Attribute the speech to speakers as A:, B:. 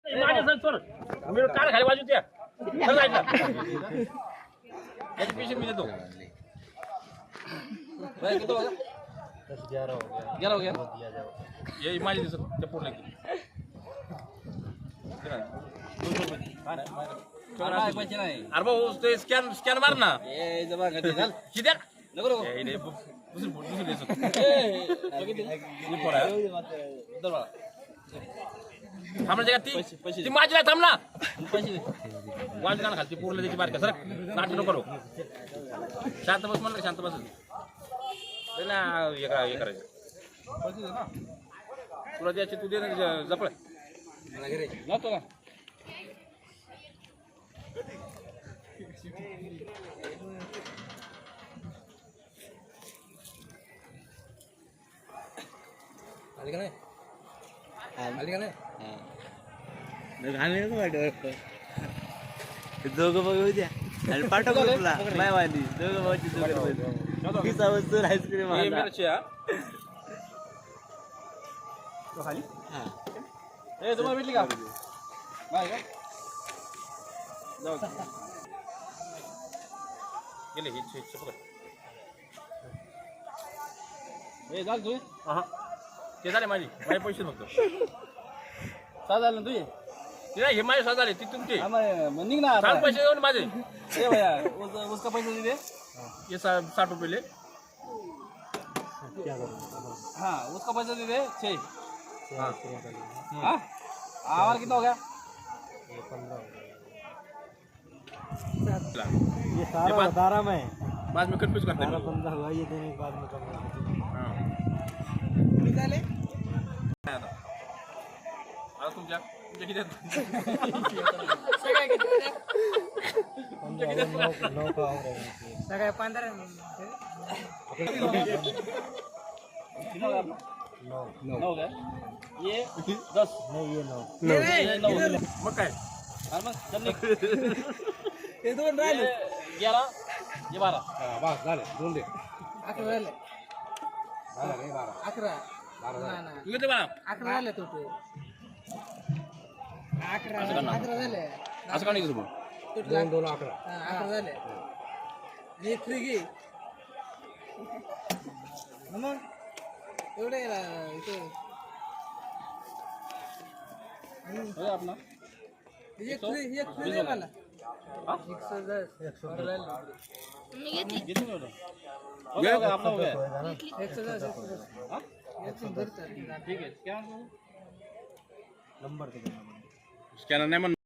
A: माझ्या सर सोड मी काल खाली बाजू त्या चल जायचं याची पेशंट मी देतो भाई किती होगा 11 हो गया ये माझी दिसत ते पूर्ण की अरे भाऊ ते स्कॅन मार ना किती नको दुसरी देतो थांबला ती माझी नाही थांबला वाज गाणं खालती पूर्ण त्याची बारका सर नाटक नको करू शांत बस म्हणलं शांत बस ना हे करायचं तुला द्यायची तू दे ना जपळ जातो का आली का नाही आली का नाही
B: घालणे दोघं बघू द्या आणि पाठव तुला नाही माहिती दोघं बघायची दोघं वस्तू आईस्क्रीम
A: तुम्हाला भेटली का नाही का जाऊ गेले ही हे झालं तू हा ते झाले माझे पैसे फक्त सहा झाले ना तुझे ते हे माझे सहा झाले ती तुमची निघ ना पैसे देऊन माझे भैया उसका पैसे दे ये 60 रुपये ले हाँ उसका पैसा दे दे 6 हाँ हमारा कितना हो गया ये 15
B: ये सारा 12 में
A: बाद में कंफ्यूज करते हैं
B: 15 हुआ ये देने के बाद में कम
A: हाँ निकाले आता तुमच्या किती
B: सगळ्या 15
A: नौ गया ये 10
B: नहीं ये 9
A: मग काय
B: ये दोन राहिले
A: 11 ये 12
B: बस झाले दोन दे
C: 11 झाले 11
A: तू किती बा
C: 11 झाले तो 11 झाले
A: असं का नाही तुझं
B: दोन 11
C: 11 झाले एक फ्री घे मग एवढे इथे
A: आपला
C: एक फ्री दे मला 110
A: आपला हो गया
C: 110
A: ठीक है क्या
B: नंबर
A: स्कॅनर नाही